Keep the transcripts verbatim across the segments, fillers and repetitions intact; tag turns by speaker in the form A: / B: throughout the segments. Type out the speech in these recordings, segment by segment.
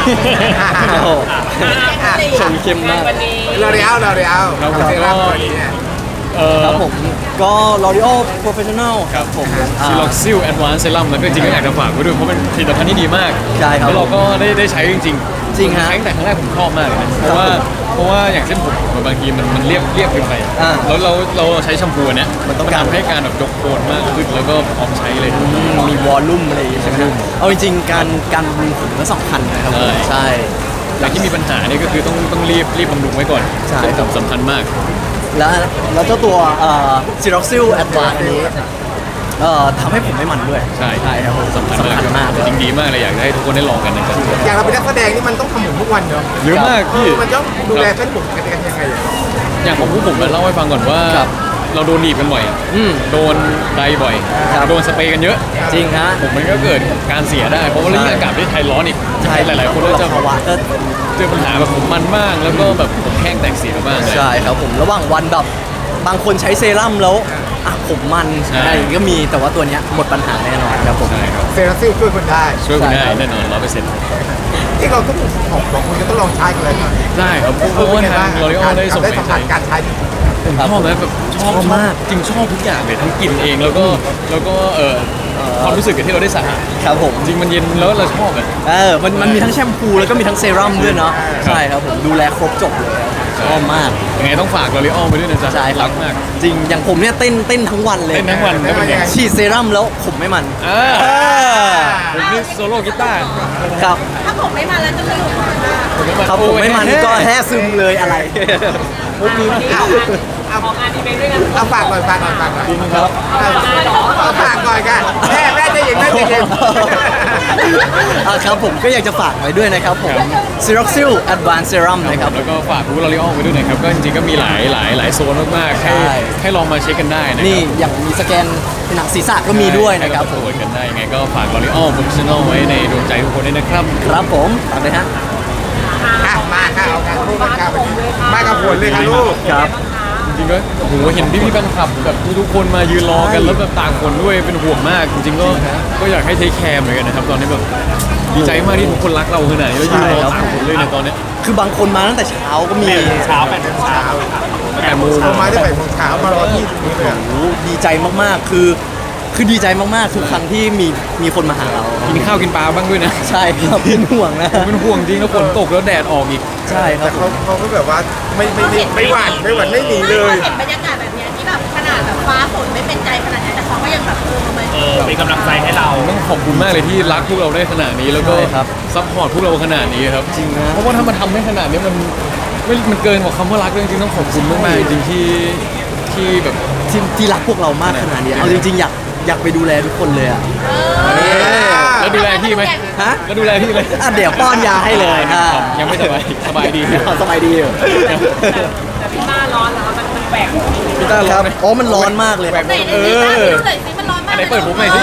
A: โอ้โห
B: ชมเข้มมาก
C: วันนี้
D: เราเรียวเราเรียว
B: ครับผม
D: เซรั่มตัวนี้เนี่ย
B: เอ่อ
A: ครับผมก็ L'Oreal Professional
B: ครับผม
A: อ่า
B: ซิล็อกซิลแอดวานซ์เซรั่มแล้วก็จริงๆก็อยากจะฝากไว้ด้วยเพราะเป็นผลิตภัณฑ์ที่ดีมาก
A: ใช่ครับ
B: แล้วเราก็ได้ได้ใช้จริงๆ
A: จริงฮะ
B: ใช้ตั้งแต่ครั้งแรกผมชอบมากเลยนะเพราะว่าเพราะว่าอย่างเส้นผมผมบางทีมันมันเรียบเรียบเกินไป
A: อ่า
B: แล้วเราเราใช้แชมพูอันเนี้ย
A: มันต้องการ
B: ทำให้การแบบยกโคนมากขึ้นแล้วก็พร้อมใช้เลย
A: มีวอลลุ่มอะไรอย่างงี้ใช่ไหมฮะเอาจริงๆการการบำรุงผมก็สำคัญนะครับผม
B: ใช่
A: ใช่
B: อย่างที่มีปัญหาเนี่ยก็คือต้องต้องรีบรีบบำรุงไว้ก่อน
A: ใช่
B: เส้นผมสำคัญมาก
A: แล้วแล้วเจ้าตัวเอ่อ Siroxil Advanced อันนี้เอ่อทำให้ผมไม่มันด้วย
B: ใช่
A: ใช่ครับผม
B: สำคัญ
A: สำคัญมาก
B: จริงดีมากเลยอยากให้ทุกคนได้ลองกันนะครับ
D: อย่างเราเป็นนักแสดงนี่มันต้องทำผมทุกวันเนาะ
B: เยอะมากพี่
D: มันต้องดูแลเส้นผมกันยังไงอะ
B: อย่างของผู้ผมมาเล่าให้ฟังก่อนว่า
A: ครับ
B: เราโดนหนีบกันบ่อย
A: อืม
B: โดนไดบ่อย
A: ครับ
B: โดนสเปรย์กันเยอะ
A: จริงฮะ
B: ผมมันก็เกิดการเสียได้ เพราะว่า
A: ใช่
B: ยิ่งอากาศประเทศไทยร้อนอีก
A: ใช่
B: หลาย ๆ คนก็จะ
A: ภาวะก็
B: เจอปัญหาแบบผมมันบ้างแล้วก็แบบผมแห้งแตกเสียบ้างเลย
A: ใช่ครับผมระหว่างวันแบบบางคนใช้เซรั่มแล้วอ่ะผมมัน
B: ใช่
A: อะไรอย่างงี้ก็มีแต่ว่าตัวเนี้ยหมดปัญหาแน่นอนครับผม
B: ใช่ครับ
D: เซรั่มซิลช่วยคนได้
B: ช่วยคุณได้
A: ใช่ครับ
B: แน่นอนร้อยเปอร์เซ็นต์
D: ที่เราทุกของของคุณจะต้องลองใช้กันเลยนะ
B: ได้ครับเพราะว่าทางลอริออลได้ส่ง
D: ได้
B: ไป
D: สัมผั
B: ใช้
D: สการใช้
B: ผมชอบนะแบบชอบ
A: ชอบมาก
B: จริงชอบทุกอย่างเลยทั้งกลิ่นเองแล้วก็แล้วก็เอ่อความรู้สึกกับที่เราได้สระ
A: ครับผม
B: จริงมันเย็นแล้วเราชอบอ่ะ
A: เออมันมันมีทั้งแชมพูแล้วก็มีทั้งเซรั่มด้วยเนาะ
B: ครับ
A: ใช่ครับผมดูแลครบจบเลยครับชอบมาก
B: ยังไงต้องฝากลอริออลไปด้วยนะจ๊ะ
A: ใช่ครั
B: รับ กมาก
A: จริงอย่างผมเนี่ยเต้นเต้นทั้งวันเลย
B: เต้นทั้งวันแล้วเป็นไง
A: ฉีดเซรั่มแล้วผมไม่มัน
B: อ่า
A: เออ
B: ผมนี่โซโล่กีตาร์
A: ครับ
C: ถ้าผมไม่มาแล้วจะสนุกมาก
A: ครับผมไม่มันก็แท้ซึมเลยอะไร
B: มุกนี้มาก
D: เอาเอา
C: ออกงานอีเวนต์ด้วยกัน
D: เอาฝากก่อนฝากก่อนฝากก่อน
B: จริงครับ
D: เอาเอาฝากก่อนกันแม่แม่จะเย็นแม่จะเย็น
A: อ่ะครับผมก็อยากจะฝากไว้ด้วยนะครับผม Siroxil Advanced Serum นะครับ
B: แล้วก็ฝากรู้ลอริออลไปด้วยนะครับ ก็จริงๆก็มีหลายหลายหลายโซนมากๆ ให้
A: ใช่
B: ให้ลองมาเช็คกันได้นะครั
A: นี่อย่างมีสแกนหนังศีรษะก็มีด้วยนะครับผ
B: ผม
A: ม
B: กันได้ยังไงก็ฝากลอริออลโปรเฟชชั่นอลไว้ในดวงใจทุกคนด้วยนะครับ
A: ครับผมตามเลยฮะ
D: อ่ะมาค่ะเอาการพูดกันครับมากับผลเลยค่ะลูก
A: ครับ
B: จริงๆก็โอ้โหเห็นพี่พี่ๆแฟนคลับแบบทุกๆคนมายืนรอกัน
A: ใช่
B: แล้วแบบต่างคนด้วยเป็นห่วงมาก จริงๆก็ก็อยากให้เทคแคร์เหมือนกันนะครับ ตอนนี้แบบดีใจมากที่ทุกคนรักเราขนาดนี้แล้วยืนรอต่างคนเลยในตอนเนี้ย
A: คือบางคนมาตั้งแต่เช้าก็มี
D: เช้าแปดโมงเช้า
B: แปดโมง
D: เรามาได้แปดโมงเช้ามารอที่ตรงนี้เลยอะ
A: โอ้โหดีใจมากๆ คือ คือดีใจมากๆ ทุกครั้งที่มีมีคนมาหาเรา
B: กินข้าวกินปลาบ้างด้วยนะ
A: ใช่ครับเป็นห่วงนะ
B: ผมเป็นห่วงจริงแล้วฝนตกแล้วแดดออกอีก
A: ใช่ครั
D: แต่
A: บ
D: เขาเขาก็แบบว่าไม่ไม่ไม่ไม่หวั่นไม่หวั่นไม่หนีเลย
C: เห็นบรรยากาศแบบเนี้ยที่แบบขนาดแบบฟ้าฝนไม่เป็นใจขนาดนี้แต่เขาก็ยังแบบเออมา
E: เออเป็นกำลังใจให้เรา
B: ต้องขอบคุณมากเลยที่รักพวกเราได้ขนาดนี้แล้วก็
A: ใช่ครับ
B: ซัพพอร์ตพวกเราขนาดนี้ครับ
A: จริงนะ
B: เพราะว่าถ้ามันทำได้ขนาดนี้มันไม่มันเกินกว่าคำว่ารักเลยจริงๆต้องขอบคุณมากๆจริงๆที่ที่แบบ
A: ที่ที่รักพวกเรามากขนาดนี้ เอาจริงๆ อยากอยากไปดูแลทุกคนเลยอ่ะ
B: แล้วดูแลพี่ไหม
A: ฮะ
B: แล้วดูแลพี่ไหม
A: อ่ะเดี๋ยวป้อนยาให้เลยอ่ะ
B: ยังไม่สบายสบายดี
A: สบายดีอยู่
C: แต่พี่ต้าร้อนแล้วมันมันแปลก
B: พี่ต้า
A: ค
B: ร้อ
A: รั
B: น
A: บ
B: ไหม
A: อ๋อ มันร้อนมากเลย
B: แปลก
C: ไหนไหนพี่ต้าดูหน่อยสิมันร้อนมาก
B: อันไหนเปิดผมหน่อยสิ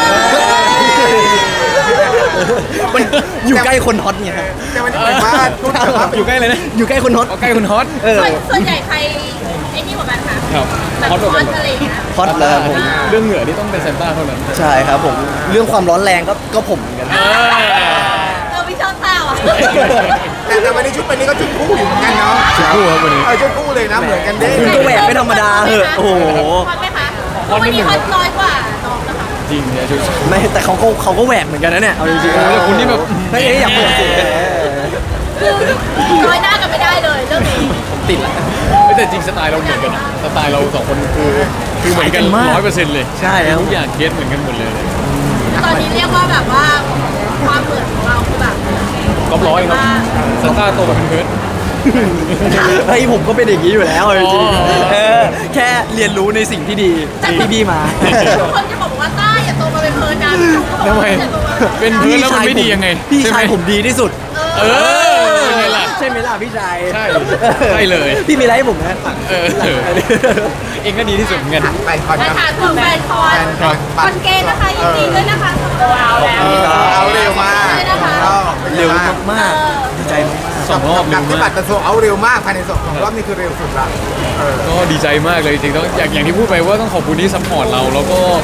A: มันอยู่ใกล้คนฮอตไงครับ
D: แต่วันนี้เหมือนว่าทุกแบบว่า
B: อยู่ใกล้เลยนะ
A: อยู่ใกล้คนฮอต
B: เอาใกล้คุณฮอต
A: เออ
C: ส่วนส่วนใหญ่ใครไอ้นี่กว่ากันคะ
B: ครับ
C: แบบ
B: ฮอต
C: ร้
B: ก
C: อ
B: ว่าน กัน
C: อะไรอย่างเงี้ย
A: ฮอตเลยครับผม
B: เรื่องเหงื่อนี่ต้องเป็นเซนต้าเท่านั้น
A: ใช่ครับผม เรื่องความร้อนแรงก็ก็ผมเหมือนกัน
C: เออพี่ชอบเต้าอ่ะ
D: แต่แต่วันนี้ชุดวันนี้ก็ชุดคู่อยู่เหมือนกันเนาะ
B: ชุดคู่ครับวันนี้
D: เออชุดคู่เลยนะเหมือนกันเด้
A: คุณก็แหวกไม่ธรรมดาเหอะโอ้โห
C: ฮอตไหมคะเพราะวันนี้ฮอตน้อยกว่าน้องนะคะ
B: จริงเนี่ยชุด
A: ไม่แต่เขาก็เขาก็แหวกเหมือนกันนะเนี่ย เอาจริงๆ
B: โอ้โหแต่คุณนี่แบบ
A: ไม่เอ๊ะอยากบอกสิ
C: คือน้อยหน้ากันไม่ได้เลยเรื่องนี้
A: ติดละ
B: แต่จริงสไตล์เราเหมือนกันนะสไตล์เราสองคนคือคือเหมือนกัน
A: คล้ายกันมาก
B: ร้อยเปอร์เซ็นต์เลย
A: ใช่ครับ
B: ทุกอย่างเก็ตเหมือนกันหมดเลย
C: ตอนนี้เรียกว่าแบบว่าความเหมือนของเราคือแบบ
B: ก๊อปร้อยครับสตาร์โตมาเป็นเพิร์ด
A: เฮ้ยผมก็เป็นอย่างนี้อยู่แล้วเอาจริง
B: อ๋อ
A: ๆเออแค่เรียนรู้ในสิ่งที่ดีที่พี่มา
C: ทุกคนจะบอกว่าต้าอย่าโตมาเป็นเพิร์นนะ
B: ทำไมเป็นเพิร์ดแล้วมันไม่ดียังไง
A: พี่
B: ใช่ไห
A: ชายผมดีที่สุด
B: เออเป็นไงล่ะ
A: ใช่ไหมล่ะพี่ชาย
B: ใช่ใช่เลย
A: พี่มีอะไรให้ผมนะ
B: เออเองก็ดีที่สุดเหมือนกัน
D: ไปคอน
C: มา
D: ครับ
C: ถามถึงแฟนคอน
D: คอน
C: คอนเกย์นะคะยินดีด้วยนะคะเอาแล้ว
D: เออเอาเร็วมาก
A: เร็วมากๆดีใจมาก
B: สองรอบ
D: หนั
B: เร็
D: ก
B: ว
D: ที่
B: มา
D: บั
B: ก
D: ตรกระทรวงเอาเร็วมากภายในสองรอบนี้คือเร็วสุดละเออ
B: ก็ดีใจมากเลยจริงๆต้องอย่างอย่างที่พูดไปว่าต้องขอบคุณที่ซัพพอร์ตเราแล้วก็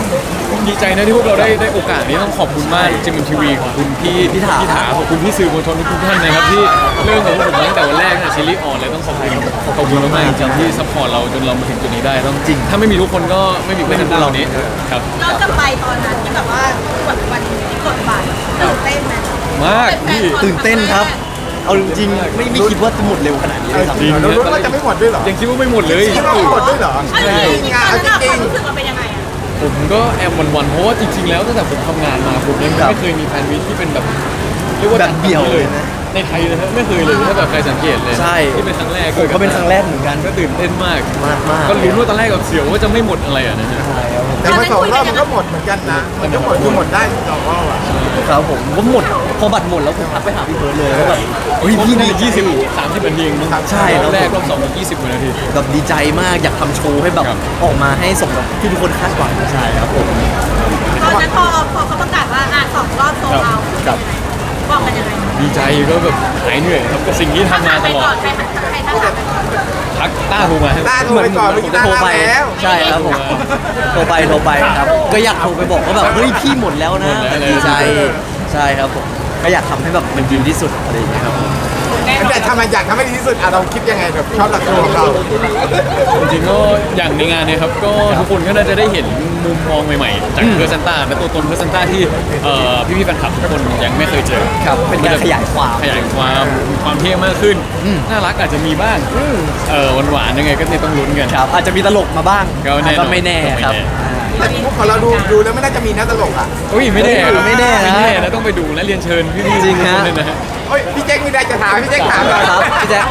B: ดีใจนะที่พวกเราได้ได้โอกาสนี้ต้องขอบคุณมากจิมมิมทีวีขอบคุณพี่
A: พี่ถา
B: พี่ถาขอบคุณพี่สื่อมวลชนทุกท่านนะครับที่เริ่มกับพวกผมตั้งแต่วันแรกนะซีรีส์ออนเลยต้องขอบคุณขอบคุณมากๆจริงๆที่ซัพพอร์ตเราจนเรามาถึงจุดนี้ได้ต้องจริงถ้าไม่มีทุกคนก็ไม่มีเพื่อนเรานี้ครับ
C: เราจะไปตอนนั้นที่แบบว่ากดวันที่กดบัตรตื่นเต้นไหม
B: มากพี่
A: ตื่นเต้นครับ เอาจริงๆไม่ไม่คิดว่าจะหมดเร็วขนาดนี้เลยครับ
D: จริงเรารู้ว่าจะไม่หมดด้วยเหรอ
B: ยังคิดว่าไม่หมดเลย
D: คิดว่าไม่หมดด้วยเหรอ
C: เอาจริงๆตอนนั้นความรู้สึกมันเป็นยังไงอะ
B: ผมก็แอบหวันๆเพราะว่าจริงๆแล้วตั้งแต่ผมทำงานมาผมยัง
A: ครับ
B: ไม่เคยมีแฟนมิตที่เป็นแบบเรียกว่า
A: แบบเดี่ยวเลยนะ
B: ในไทยเลยนะไม่เคยเลยถ้าแบบใครสังเกตเลย
A: ใช่
B: ที่เป็นครั้งแรก
A: ผมก็เป็นครั้งแรกเหมือนกัน
B: ก็ตื่นเต้นมาก
A: มากมาก
B: ก็ลุ้นว่าตอนแรกกับเสียวว่าจะไม่หมดอะไรอ่ะนะฮะ
A: ใช่ครับผม
D: แต่พอสองรอบมันก็หมดเหมือนกันนะมันก็หมดคือหมดได้สองรอบอ่ะ
A: ครับผมก็หมดพอบัตรหมดแล้วผมทักไปหาพี่เพิร์ดเลยว่าแบบเฮ้ย
B: พี่
A: พี่
B: นี่
A: ดี
B: ยี่สิบ
A: ใจ
B: สามสิบนาทีเองมั้ง
A: ใช่
B: ร
A: ครั
B: อ
A: บบ
B: แรกรอบสองยี่สิบนาที
A: แบบดีใจมากอยากทำโชว์ให้แบบ
B: ครับ
A: ออกมาให้สมกับที่ทุกคนคาดหวังใช่ครับผม
C: ตอนนั้นพอพอเขาประกาศว่าอ่ะสองรอบโซลเอาท์
A: ครับ
C: บอกกันยังไง
B: ดีใจก็แบบหายเหนื่อยครับกับสิ่งที่ทำมาตลอด
C: ใครทักใครทักใครทักไปก่อน
B: ทักต้าโทรมาให้
D: ต้าโทรไปก่อนเมื่อ
A: ผม
D: กี้
A: จะ
D: ต้า
A: โทร
D: รับ
A: ไป
D: แล้ว
A: ใช่ครับผมโทรไปโทรไปครับ ก็อยากโทรไปบอกว่าแบบเฮ้ยพี่หมดแล้วนะดีใจใช่ครับผมก็อยากทำให้แบบมันดีที่สุดอะไรอย่างเงี้ยครับผม
D: แต่ทำไมอยากทำให้ดีที่สุดอ่ะเราคิดยังไงแบบชอบหลักตัวของเรา
B: จริงๆก็อย่างในงานเนี่ยครับก็ทุกคนก็น่าจะได้เห็นมุมมองใหม่ๆจากเพอร์ซันต้าและตัวตนเพอร์ซันต้าที่เอ่อพี่ๆแฟนคลับทุกคนยังไม่เคยเจอ
A: ครับเป็นการขยายความ
B: ขยายความความเท่มากขึ้น น่ารักอาจจะมีบ้างเออหวานๆยังไงก็เนี่ยต้องลุ้นกัน
A: ครับอาจจะมีตลกมาบ้าง
B: ก็แน่นอน
A: ก็ไม่แน่ครับ
B: ก็ไม่แน่
D: แต่มุกของเราดูดูแล้วไม่น่าจะมีนักตลกอ่ะ
B: อุ้ยไม่แน่ครับ
A: ไม่แน่นะ
B: ไม่แน่นะต้องไปดูและเรียนเชิญพี่ๆ
A: จริงฮะ
B: ทุกคนเลยนะฮะ
D: โอ้ยพี่แจ็คมีได้จะถามพี่แจ็คถาม
A: ครับพี่แจ๊ค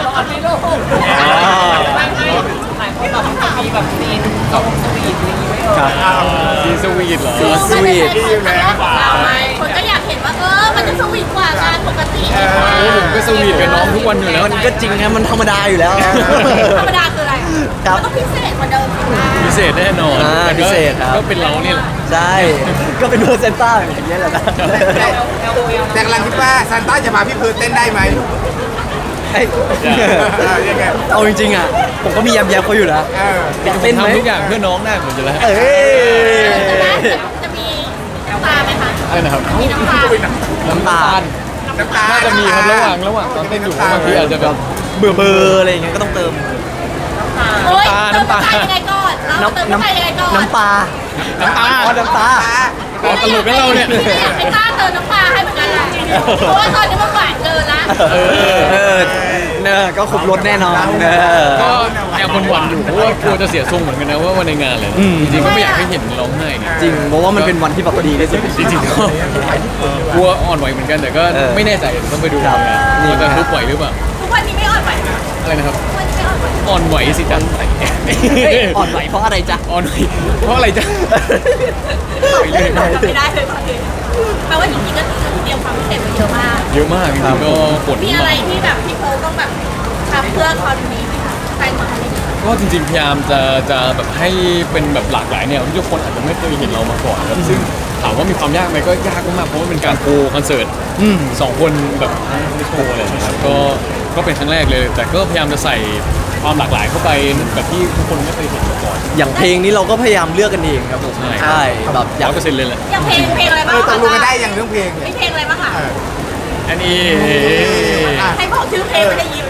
A: ครับ
B: ซีสวีทเหรอ
A: สวีท
D: ดีอยู่แล้ว
C: เราไหมคนก็อยากเห็นว่าเออมันจะสวีทกว่างานปกติ
B: โอ้ผมก็สวีทกับน้องทุกวันอยู่แล้ว
A: มันก็จริงนะมันธรรมดาอยู่แล้ว
C: ธรรมดาคืออะไร
A: ครับ
C: มันก็พิเศษกว่าเดิมสินะ
B: พิเศษแน่นอน
A: อ่า
B: แต่ก็
A: พิเศษครับ
B: ก็เป็นเราเนี่ยแหละ
A: ใช่ ก็เป็นเพอร์เซนต้าอย่างเงี้ยแหละนะ
D: แต่แต่กำลังคิดว่าซานต้าจะพาพี่เพิร์ดเต้นได้ไหม
A: เอ้ย
D: เออยังไง
A: เอาจริงๆอ่ะ ผมก็มีแยมแยมเขาอยู่นะ
D: เออ
A: อยากเต้นไหม
B: ทำทุกอย่างเพื่อน้องได้หมดอยู่แล้ว
A: เอ้ย
C: จะได้จะมีน้ำตาไหมคะ
B: อะไรนะครับ
C: มีน้ำตา
A: น้ำตาล
D: น้ำตา
B: น่าจะมีครับระหว่างระหว่างตอนเต้นอยู่บางทีอาจจะแบบ
A: เบื่อเบอร์อะไรอย่างเงี้ยก็ต้องเติม
C: โอ๊ย
B: น้ำตา
C: เติมน้ำตายังไงก่อนเราเติมน้ำตายังไงก่อน
A: น้ำปลา
B: น้ำตา
A: อ๋อน้ำตา
B: อ๋อตลกนะเราเนี่ย
C: ไม่อยากให้ต้าเติมน้ำตาให้เหมือนกันนะเพราะว่าตอนนี้มันหวานเกินละ
B: เออ
A: เออเนอะก็ครบรถแน่นอนเนอะ
B: ก็แอบหวั่นๆอยู่เพราะว่ากลัวจะเสียทรงเหมือนกันนะว่าวันในงานเลย
A: อืม
B: จริงๆก็ไม่อยากให้เห็นร้องไห้ไง
A: จริงเพราะว่ามันเป็นวันที่แบบดีที่สุด
B: จริงๆก็กลัวอ่อนไหวเหมือนกันแต่ก็
A: เออ
B: ไม่แน่ใจต้องไปดู
A: ครับ
B: นะ
A: นี่
B: ว่าจะ
A: นะ
B: ทุบไหวหรือเปล่า
C: ทุกวันนี้ไม่อ่อนไหวนะ
B: อะไรนะครับ
C: ทุกวันนี้ไม่อ่อนไหว
B: อ่อนไหวสิจัง
A: เฮ้ยอ่อนไหวเพราะอะไรจ๊ะ
B: อ่อนไหวเพราะอะไรจ๊ะ
C: ไม่ได้ไม่ได้เลยตอนนี้แปลว่าจริงๆก็เตรียมความพิเศษมาเยอะมาก
B: เยอะมากจริงๆก็ปวด
C: มีอะไรที่แบบพี่โค้ต้องแบบทำเพื่อคอนนี้ไหมคะแฟนคอนนี้
B: ก็จริงๆพยายามจะจะแบบให้เป็นแบบหลากหลายแนวที่ทุกคนอาจจะไม่เคยเห็นเรามาก่อนครับซึ่งถามว่ามีความยากไหมก็ยากมากๆเพราะว่าเป็นการโคคอนเสิร์ต
A: อืม
B: สองคนแบบไม่โชว์อะไรนะครับก็ก็เป็นครั้งแรกเลย แต่ก็พยายามจะใส่ความหลากหลายเข้าไปแบบที่ทุกคนไม่เคยเห็นมาก่อน
A: อย่างเพลงนี้เราก็พยายามเลือกกันเองครับผม
B: ใช่
A: ใช่แบบอ
B: ร้
A: ยา
B: อก ยเปอร์เซ็นต์เลยแหละ
C: อย่างเพลงเพลงอะไร
D: เอ
C: บ้าง
D: อต
C: คะ
D: กลงกันได้อย่างเรื่องเพลงเนี่ย
C: มีเพลงอะไรบ้างคะ
B: อันนี้
C: ให้บอกชื่อเพลงไม่ได้ยิน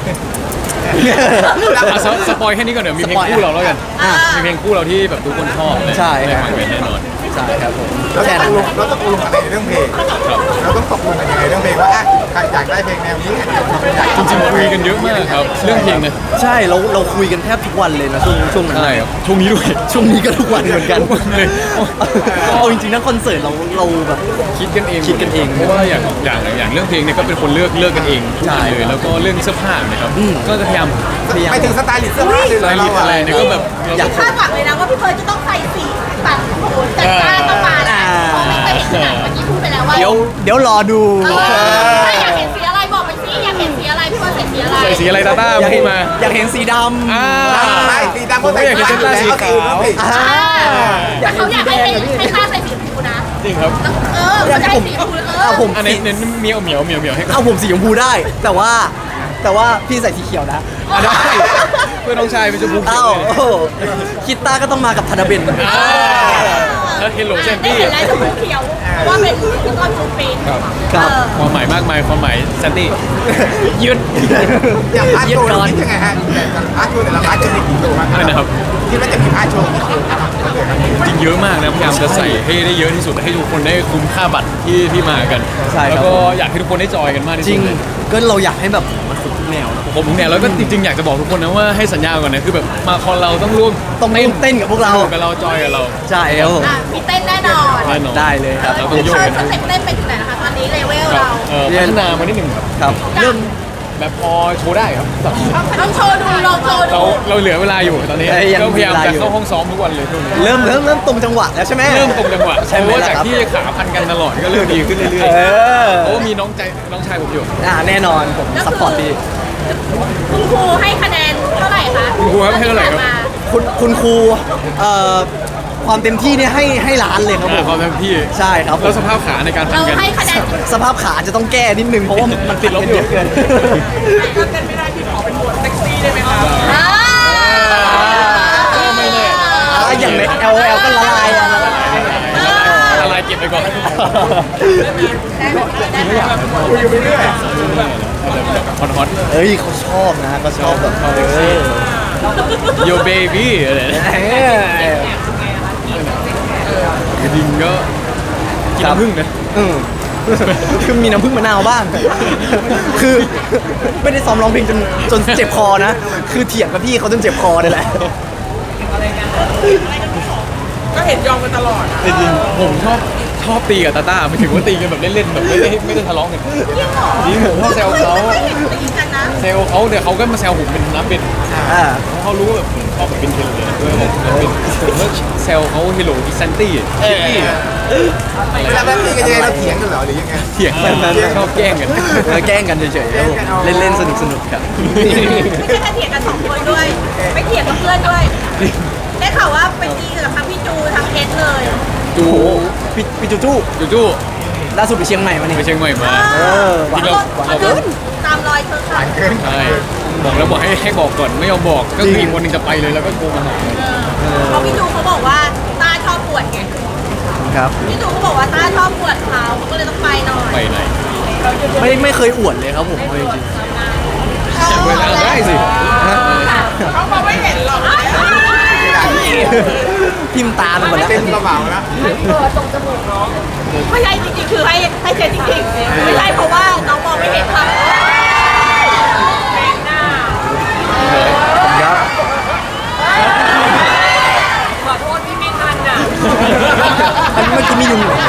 B: เอาสสปอยแค่นี้ก่อนเดี๋ยวมีเพลงคู่เราแล้วกัน
C: อ่า
B: มีเพลงคู่เราที่แบบทุกคนชอบเลย
A: ใช่
B: ได้
A: ครับ
B: ฟังกันแน่นอน
A: ใช่ครับผม
D: เรา
A: แค่
D: ต
A: นั้
D: ก
A: น
D: ลงเราตกลงอะไรในเรื่องเพลง
B: ครับ
D: เราต้องตกลงกันยังไงเรื่องเพลงว่าอ่ะใครอยากได้เพลงแนวนี้ใครอยากได้
B: จริงๆคุยกันเยอะมากครับ เรื่องเพลงเนี่ย
A: ใช่เราเราคุยกันแทบทุกวันเลยนะช่วงช่วงนั้น
B: ใช่ครับช่วงนี้ด้วย
A: ช่วงนี้ก็ทุกวันเหมือนกัน
B: ทุกวันเลย
A: เอาจริงๆนะคอนเสิร์ตเราเราแบบ
B: คิดกันเอง
A: คิดกันเอง
B: เพราะว่าอย่างอย่างอย่างเรื่องเพลงเนี่ยก็เป็นคนเลือกเลือกกันเองทุกอย่างเลยแล้วก็เรื่องเสื้อผ้าเนี่ยครับ
A: อืม
B: ก็จะพยายาม
A: พยายาม
D: ไปถึงสไตล์ลิสต์เสื้อผ้าเลย
B: สไตล์ลิสต์อะไรเนี่ยก็แบบเรา
A: อยาก
C: คาดหวังเลยนะว่าพี่เพิร์ลจะต้องใส่สีตัดโขนจัดจ้านต้องมาแล้วเพราะไม่เคยเห็นที่ไหนเมื่อกี้พูดไปแล้วว่า
A: เดี๋ยวเดี๋ยวรอดู
C: เออถ้าอยากเห็นสีอะไรบอกไปสิอยากเห็นสีอะไรพี่เพิร์ลใส่สีอะไร
B: ใส่สีอะไรตาต้า
A: อยาก
B: พู
A: เห็
B: ด
A: น
B: มา
A: อยากเห็นสีดำ
B: อ่า
D: ไม่สีดำก็ใส่
B: ผมก็อยากเห็นเส้นลายสีขาว
A: อ่า
C: แต่เขาอยากให้ให้ให้ต้าใส่สีชมพูนะ
B: จริงครับ
C: เออเขาจะให้สีชมพูเออ
A: เอาผม
B: อัน
A: สี
B: นี้เน้นเหมียวเหมียวเหมียวเหมียวให้
A: เอาผมสีชมพูได้ แต่ว่าแต่ว่าพี่ใส่สีเขียวนะ
B: อ่ะได้เพื่อนน้องชายเป็นชมพูเขีย
A: อ้าว ว
B: เลย
A: โอ้โหคิดตาก็ต้องมากับธนเบน
B: อ่าเฮลโลแซน
C: ได้
B: ตี้
C: เห็นลายชมพูเขียวเพราะว่าเป็นพี่ต้นจูปิน
B: ครับ
A: ครับ
B: ความหมายมากมายความหมายแซนตี้ยืด
D: อย่างพาร์ทโชว์เราคิดยังไงฮะแต่พาร์ทโชว์แต่ละพาร์ทจะมีกี่ตัว
B: อะไรนะครับ
D: คิดว่าจะมีพาร์ทโชว์กี่ตัวครับ
B: จริงเยอะมากนะพยายามจะใส่ให้ได้เยอะที่สุดให้ทุกคนได้คุ้มค่าบัตรที่ที่มากัน
A: ใช่ครับ
B: แล้วก็อยากให้ทุกคนได้จอยกันมากที่
A: จริ
B: สุ
A: ง
B: ดเลย
A: ก็เราอยากให้แบบมันสุดทุกแนวนะ
B: ผมเนี่ยแล้วก็จริงๆอยากจะบอกทุกคนนะว่าให้สัญญาก่อนนะคือแบบมาคอนเราต้องร่วม
A: ต้องร่วมเต้นกับพวกเรา
B: สนุกับเราจอยกับเรา
A: ใช่ครับผม
C: อ่ะมีเต้นแน่นอน
B: แน่นอน
A: ได้เลยครับ
B: เรา
C: เอ
B: ต้อง
C: อ
B: โยก
C: เชิญ
B: กัน
C: สเต็ปเต้นไปถึงไหนนะคะตอนนี้เลเวล
B: ครับ
C: เรา
B: เอ่อพัฒนามานิดหนึ่งครับ
A: ครับ
C: เริ่ม
B: แบบพอโชว์ได้ครับ
C: ต้องโชว์ดูลองโชว์
B: เรา
C: ดู
B: เราเหลือเวลาอยู่ตอนนี้
A: เอ้ยยัง
B: ก็พยายาม
A: มีเวลา
B: จะ
A: อยู่
B: เข้าห้องซ้อมทุกวันเลยช่วงนี้
A: เริ่มเริ่มเริ่มตรงจังหวะแล้วใช่ไหม
B: เริ่มตรงจังหวะ
A: ใช่
B: เพ
A: ไหม
B: ราะว่า
A: ล่ะ
B: จาก
A: ครับ
B: ที่ขาพันกันตลอดก็เริ่มดีขึ้นเรื่อย
A: เออ
B: ๆเพราะว่ามีน้องใจน้องชายผมอยู่
A: อ่าแน่นอนผมซัพพอร์ตดี
C: คุณครูให้คะแนนเท่าไหร่คะ
B: คุณครูให้เท่าไหร่ครับ
A: คุณคุณครูเอ่อความเต็มที่เนี่ยให้ให้ล้านเลยครับผม
B: ความเต็มที่
A: ใช่ครับผ
B: แล้ว
A: ม
B: สภาพขาในการพั
C: เรา
B: นกัน
C: ให้คะแนน
A: สภาพขาจะต้องแก้นิดนึงเพราะว่ามันติดลบเยอะเกิน
C: ก็เต้นไม่ได้พี่ขอเป็นบทเซ็กซี่ได้ไหมคะ
B: ก็ไม่แน่
A: อ่าอย่างใน แอล แอล ก็ละลายอะละลาย
B: ละลายเก็บไปก่อน
D: คุยอยู่ไปเรื่อย
B: ฮอตฮอต
A: เอ้ยเขาชอบนะเขาชอบแบบเออ
B: โยเบบี้อะไรนะ
A: เออ
B: จริงๆก็กินน้ำผึ้งนะ
A: อืมคือมีน้ำผึ้งมะนาวบ้าง คือไม่ได้ซ้อมร้องเพลงจนจนเจ็บคอนะ คือเถียงกับพี่เขาจนเจ็บคอเลยแหละ
E: ก็เห็นยอมกันตลอดอะ
B: จริงๆผมชอบชอบตีกับตาต้าไม่ถึงว่าตีกันแบบเล่นๆแบบไม่ได้ไม่ได้ทะเลาะกันจริงผมชอบแซวเขา
C: ไม่เห็นตีกันนะ
B: แซวเขาเดี๋ยวเขาก็มาแซวผมเป็นน้ำเป็น
A: อ่า
B: เพราะเขารู้ว่าแบบผมชอบแบบเป็นเทเลเลยด้วยผมเป็นผมก็แซวเขาเฮโลอีซันตี้ซิตี้
D: เวลาแบบนี้กันยังไงเราเถียงกันเหรอหรือยังไง
B: เถียงกันชอบแกล้งกัน
A: เออแกล้งกันเฉยๆครับผมเล่นๆสนุกสนุกๆครับ
C: ไม่ใช่แค่เถียงกันสองคนด้วย ไปเถียงกับเพื่อนด้วย ได้ข่าวว่าไปตีกับทั้งพี่จูทั้งเอสเลย
B: จู
A: โอ้โหพี่พี่จูจู
B: จูจู
A: ล่าสุดไปเชียงใหม่มานี่
B: ไปเชียงใหม่มา
A: เออหวาน
B: จริงเหรอ
A: หวานเกิน
C: ตามรอยเธอค่ะ
D: เกิน
B: ใช่บอกแล้วบอกให้ให้บอกก่อนไม่ยอมบอกก็คืออีกคนหนึงจะไปเลยแล้วก็โทรมาหา
C: เพราะพี่จูเขาบอกว่าต้าชอบปวดไง
A: ครับ
C: พี่จูเขาบอกว่าต้าชอบปวดเขาเขาก็เลยต้องไปหน่อย
B: ไปไหน
A: ไม่ไม่เคยอวดเลยครับผมเอาจริง
B: อยากไปทางได้สิ
A: ๆฮะ
E: เขาบอกไม่เห็นหรอก
A: ทิมตาลงหมดแล้ว
D: เต้นเบาๆนะ
C: ไม่ใช่จริงๆคือให้ให้เจนจริงๆไม่ใช่เพราะว่าน้องมองไม่เห็นค่ะ
A: ครับ
E: ขอโทษที่ไม่ทันอ่ะ
A: อันนี้เมื่อกี้มียุงเหรอ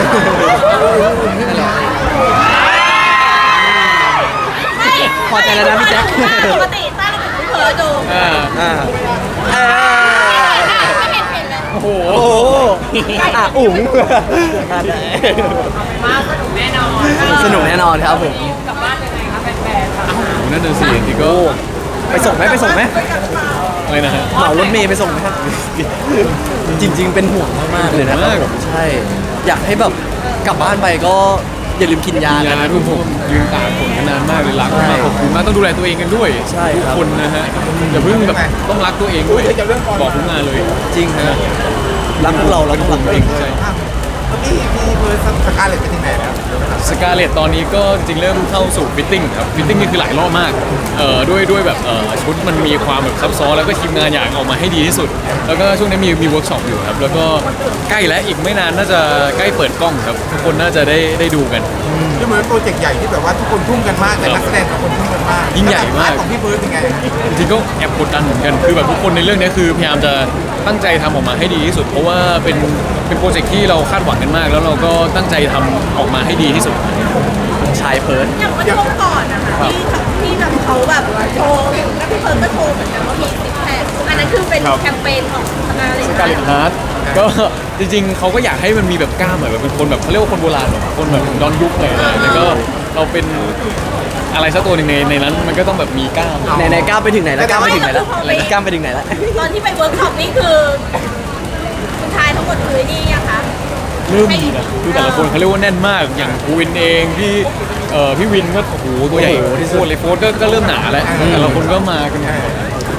C: ไม่
A: พอใจแล้วนะพี่แจ๊ค
C: ปกติต้าเราเป็นคนเผลอดู
B: อ่า
A: อ่าเออ
C: ไม่เห็นเห็นเลย
B: โอ้โห
A: โอ้โหอ่ะอุ๋งอ่ะ
E: มาสนุกแน่นอน
A: สนุกแน่นอนครับผม
E: กลับบ้านยังไงคะแฟนๆค่ะ
B: นั่นน่ะสิจริงๆก็
A: ไปส่งไหมไปส่งไหม
B: อะไรนะฮะ
A: เหมารถเมย์ไปส่งไหมครับจริง ๆ เป็นห่วงมากๆเลยนะครับผมใช่ อยากให้แบบกลับบ้านไปก็อย่าลืมกินยา
B: ยา
A: นะ
B: ทุกผมยืนตากฝนกันนานมากเลยรักมากขอบคุณมากต้องดูแลตัวเองกันด้วย
A: ใช่
B: ทุก
A: ครับ
B: คนนะฮะอย่าเพิ่งแบบต้องรักตัวเองด้วยบอกทุกงานเลย
A: จริงฮะรักพวกเราเราต้องรักตัวเองด้วย
B: ใช่
D: เมื่อกี้มีเบอร์สกาเลตไปถึงไหนแล้ว
B: สกาเลตตอนนี้ก็จริงเริ่มเข้าสู่ฟิตติ้งครับฟิตติ้งนี่คือหลายรอบมากเอ่อด้วยด้วยแบบเอ่อชุดมันมีความแบบซับซ้อนแล้วก็ทีมงานอยากออกมาให้ดีที่สุด แล้วก็ช่วงนี้มีมีเวิร์กช็อปอยู่ครับแล้วก็ใกล้แล้วอีกไม่นานน่าจะใกล้เปิดกล้องครับทุกคนน่าจะได้ได้ดูกัน
D: ที่เหมือนโปรเจกต์ใหญ่ที่แบบว่าทุกคนทุ่มกันมากแต่นักแสดงทุกคนทุ่มกันมาก
B: ยิ่งใหญ่มาก
D: ของพี่เบิร์ดเป็นไง
B: จริงๆก็แอบกดดันเหมือนกัน คือแบบทุกคนในเรื่องนี้คือพยายามจะตั้งใจทำออกมาให้ดีที่สุด เพราะว่าเป็นเป็นโปรเจกต์ที่เราคาดหวังกันมาก แล้วเราก็ตั้งใจทำออกมาให้ดีที่สุด
A: ชายเพิร์ด
C: อย่างวันช่วงก่อนนะคะที่ที่แบบเขาแบบโชว์แล้วพี่เฟิร์นก็โชว์เหมือนกันว่ามีสิบแพคอันนั้นคือเป็น
B: ครับ
C: แคมเปญของธนาเลย
B: การเล่นฮาร์ดก็จริงๆเขาก็อยากให้มันมีแบบกล้ามหน่อยแบบเป็นคนแบบเขาเรียกว่าคนโบราณแบบคนแบบย้อนยุคหน่อยนะแล้วก็เราเป็นอะไรสักตัวหนึ่งในในนั้นมันก็ต้องแบบมีกล้าม
A: ไหนไหนๆก้าวไปถึงไหนแล้วก้าวไปถึงไหนแล้วก้าวไปถึงไหนแล้ว
C: ตอนที่ไปเวิร์กช็อปนี่คือคุณชายทั้งหมดคือนี่ยังคะ
B: เริ่มมีนะคือแต่ละคนเขาเรียกว่าแน่นมากอย่างภูวินเองพี่เอ่อพี่วินก็โอ้โหตัวใหญ่ที่สุดเลยโฟร์ก็ก็เริ่มหนาแล้วแต่ละคนก็มากัน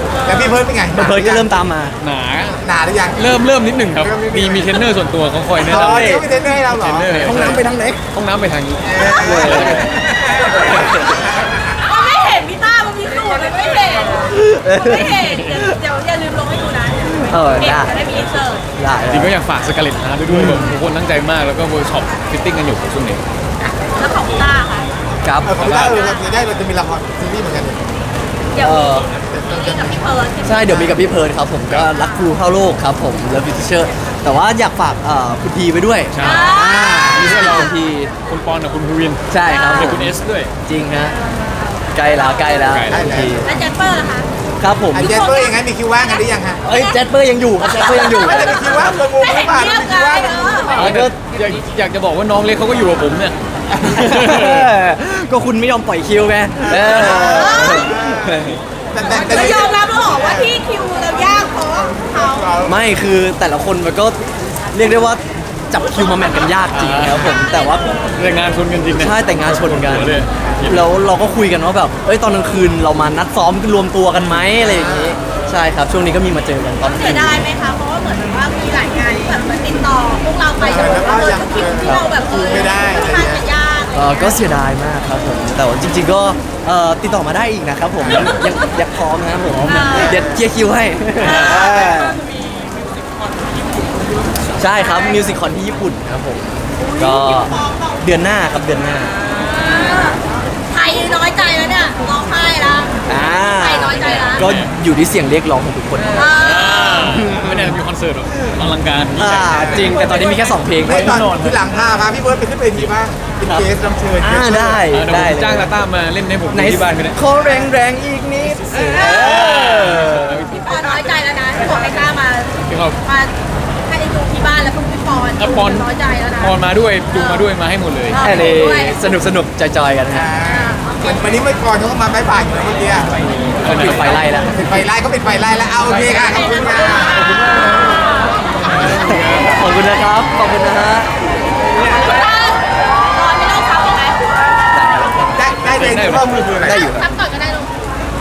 D: แล้วพี่เพิร์ดเป็นไง
A: เพิร์ดก็เริ่มตามมา
B: หนา
D: หนาหรือยัง
B: เริ่มเริ่มนิดหนึ่งครับ มีมีเทรนเนอร์ส่วนตัวเขาคอยแนะ
D: อ๋อน
B: ำ
D: เขาเป็นเทรนเนอร์ให้เราเหร
B: เทร
D: อน
B: เนอร์
A: ห้องน้ำไปทางไหน
B: ห้องน้ำไปทางนี้
C: มันไม่เห็นพี่ต้ามันมีสูตรมันไม่เห็นมันไม่เห็นเดี๋ยวเดี๋ยวอย่าลืมลงให้ดูนะ
A: เออ
C: เห็น
A: ได้
C: จะได้มีอินเสิร์ต
A: ได้
B: จริงก็อยากฝากสกาเลตฮาร์ดด้วยแบบทุกคนตั้งใจมากแล้วก็เวิร์กช็อปฟิตติ้งกันอยู่ช่วงนี้
C: แล้วของพี่ต้าค่ะ
A: ครับ
D: เออของพี่ต้าเออเราจะได้เราจะมีละครซีรีส์เหมือนกัน
C: เดี๋ยว
A: เออ
C: มีกับพี่เพิร์ด
A: ใช่เดี๋ยวมีกับพี่เพิร์ดครับผมก็รักครูเข้าโลกครับผมแล้วฟิเชอร์แต่ว่าอยากฝากเอ่อคุณทีไปด้วย
B: ใช่
A: อ่ามีสเราคุณที
B: คุณปอนกับคุณภูวิน
A: ใช่ครับผ
B: และ
A: ม
B: คุณเอสด้วย
A: จริงฮะใกล้แล้วใกล้แล้ว
B: ใกล้แล้ว
A: คุณที
C: แล้วแจ็คเปอร์ล่ะคะ
A: ครับผม
D: อ่ะเจสเปอร์ยังไงมีคิวว่างกันหรือยังฮะ
A: เอ้ยแจ็คเปอร์ยังอยู่ครับแจ็คเปอร์ยังอยู่
D: ไม่ได้มีคิวว่างตัวงูหรือเปล่า
C: เงียบ
D: มี
C: ไง
D: คิวว่าง
C: เออ
A: แล้วก็
B: อยากอยากจะบอกว่าน้องเล็กเขาก็อยู่กับผมเนี่ย
A: ก็คุณไม่ยอมปล่อยคิวไงเออ
D: แต่แต่แต่
C: เรายอมรับแล้วเหรอว่าที่คิวเรายากเพราะเขา
A: ไม่คือแต่ละคนมันก็เรียกได้ว่าจับคิวมาแมทกันยากจริงครับผมแต่ว่า
B: เรื่องงานชนกันจริงเนี่ย
A: ใช่แต่งงานชนกัน
B: หัวเลย
A: แล้วเราก็คุยกันว่าแบบเอ้ยตอนกลางคืนเรามานัดซ้อมรวมตัวกันไหมอะไรอย่างงี้ใช่ครับช่วงนี้ก็มีมาเจอกันตอน
C: เสียดายไหมคะเพราะว่าเหมือนว่ามีหลายงานที่แบบเหมือนติดต่อพวกเราไปแต่ว่าเออคิวที่เราแบบเออค่อนข้างจะยาก
A: เออก็เสียดายมากครับผมแต่ว่าจริง ๆก็เอ่อติดต่อมาได้อีกนะครับผมยังยังยังพร้อมนะครับผมเดี๋ยวเคลียร์คิวให้ใช่ครับมิวสิคคอนที่ญี่ปุ่นครับผมก็เดือนหน้าครับเดือนหน้า
C: ไทยน้อยใจแล้วเนี่ยร้องไห้แล้ว
A: อ่า
C: ไทยน้อยใจแล้ว
A: ก็อยู่ที่เสียงเรียกร้องของทุกคน
C: เออ
B: ไม่ได้มีคอนเสิร์ตหรอกอลังการ
A: อ่าจริงแต่ตอนนี้มีแค่สองเพลง
D: ไม่ตอนที่หลังพาพาพี่เบิร์ดไปขึ้นเวทีบ้างเป็นเกสรับเชิญ
A: อ่าได้
B: เออเดี๋ยว
A: ได้
B: ผมจ้างลาต้ามาเล่นให้ผม
A: ไหน
B: ที่บ้านก็ได้
A: ขอแรงแรงๆอีกนิดเออ
C: พี่ปอนน้อยใจแล้วนะที่บอกไม่กล้ามา
B: ที่เขา
C: มาให้ได้ดูที่บ้านแล้วพวกพี่ปอน
B: แล้วปอน
C: น้อยใจแล้วนะ
B: ปอนมาด้วยดูมาด้วยมาให้หมดเลย
C: เออ
A: แค่นี้สนุกสนุกจอยๆกันฮะ
D: วันนี้ไม่ก่อนเขาก็มาบายบายอยู่นะเมื่อกี้
A: คนปิดไฟไล่แล้ว
D: ปิดไฟไล่ก็ปิดไฟไล่แล้วเอาโอเคค่ะขอบคุณค่ะ
A: ขอบคุณนะครับ ขอบคุณนะฮะ
C: ปอนไม่ต้องทับยังไง
D: ได้ได้เลยที่ข้อมือคืออะไร
A: ได้อยู่
C: ทับก่อนก็ได้ลูก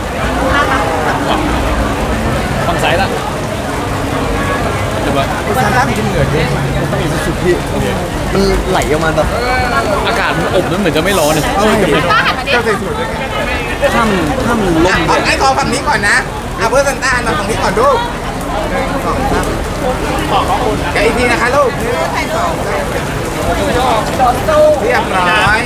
B: ฝั่งซ้ายละเดี๋ยวว่า
D: ซานต้ามีเหงื่อเยอะ
A: มันไหลออกมาแบบ
B: อากาศมันอบนั้นเหมือนจะไม่ร้อนเลย
A: ใช่
C: ป้าหันมาดิ
D: เจ้าใส่สูตรด้วยกัน
A: ถ้ำถ้ำมันล่ม
D: เอาไอ้ขอฝั่งนี้ก่อนนะเอาเพื่อซานต้าเราฝั่งนี้ก่อนลูกสองครับขอขอบคุณกันอีกทีนะคะลูกเรียบร้อย